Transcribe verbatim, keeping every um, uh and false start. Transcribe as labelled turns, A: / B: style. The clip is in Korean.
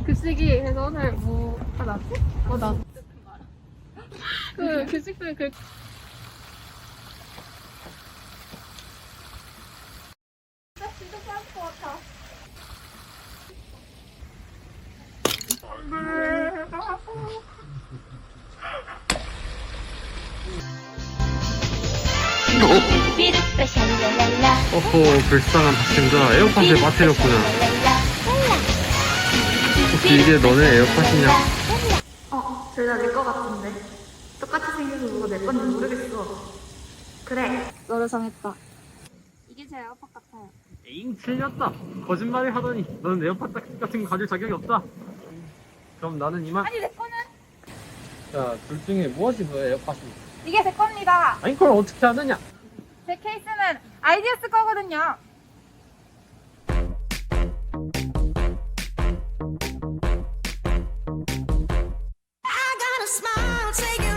A: 급식이 그래서 오늘 뭐 하나? 어, 나. 그 급식들 그. 진짜 싸울 것 같아.
B: 어허, 불쌍한 박신자. 에어팟에 빠뜨렸구나. 혹시 이게 너네 에어팟이냐?
A: 어, 둘 다 내 거 같은데. 똑같이 생겨서 누가 내 건지 모르겠어. 그래, 너를 정했다. 이게 제 에어팟 같아요.
B: 에잉, 틀렸다. 거짓말을 하더니 너는 에어팟 같은 거 가질 자격이 없다. 그럼 나는 이만.
A: 아니, 내 거는
B: 자, 둘 중에 무엇이 너의 에어팟이?
A: 이게 제 겁니다.
B: 아니, 그걸 어떻게 하느냐?
A: 제 케이스는 아이디어스 거거든요.
C: I got a smile, take it